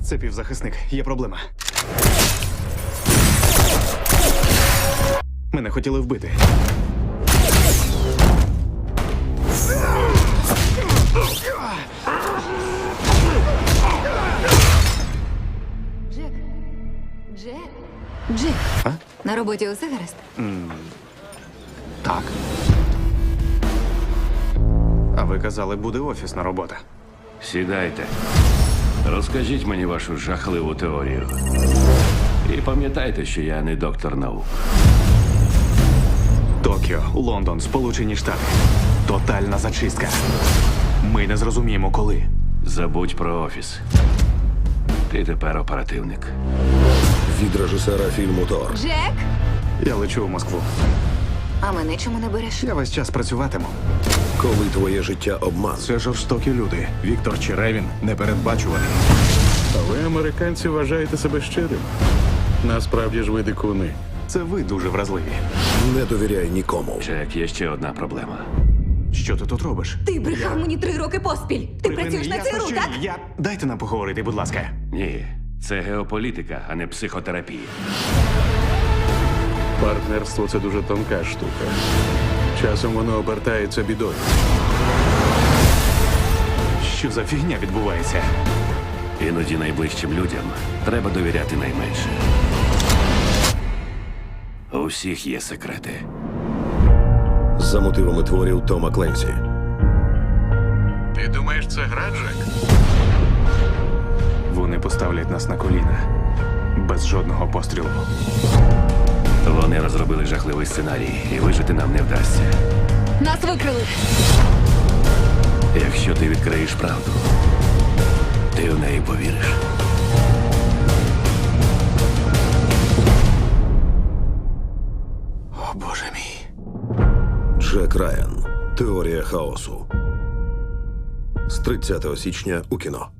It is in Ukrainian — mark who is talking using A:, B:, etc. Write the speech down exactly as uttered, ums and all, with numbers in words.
A: Це півзахисник. Є проблема. Мене хотіли вбити.
B: Джек. Джек. Джек.
A: А?
B: На роботі усе гаразд?
A: Так. А ви казали, буде офісна робота.
C: Сідайте. Розкажіть мені вашу жахливу теорію. І пам'ятайте, що я не доктор наук.
A: Токіо, Лондон, Сполучені Штати. Тотальна зачистка. Ми не зрозуміємо, коли.
C: Забудь про офіс. Ти тепер оперативник.
D: Від режисера фільму Тор.
B: Джек!
A: Я лечу в Москву.
B: А мене чому не береш?
A: Я весь час працюватиму.
D: Коли твоє життя обман.
A: Це жорстокі люди. Віктор Черевін непередбачуваний.
E: А ви, американці, вважаєте себе щирим. Насправді ж ви дикуни.
A: Це ви дуже вразливі.
D: Не довіряй нікому.
C: Джек, є ще одна проблема.
A: Що ти тут робиш?
B: Ти брехав мені три роки поспіль. Ти
A: Припини,
B: працюєш на
A: ясно,
B: ЦРУ,
A: що
B: так?
A: ні. Я... Дайте нам поговорити, будь ласка.
C: Ні, це геополітика, а не психотерапія.
E: Партнерство це дуже тонка штука. Часом воно обертається бідою.
A: Що за фігня відбувається?
C: Іноді найближчим людям треба довіряти найменше. У всіх є секрети.
D: За мотивами творів Тома Кленсі.
E: Ти думаєш, це гра, Джек?
A: Вони поставлять нас на коліна. Без жодного пострілу.
C: Вони розробили жахливий сценарій, і вижити нам не вдасться.
B: Нас викрили.
C: Якщо ти відкриєш правду, ти в неї повіриш.
A: О, Боже мій.
D: Джек Райан. Теорія хаосу. З тридцятого січня у кіно.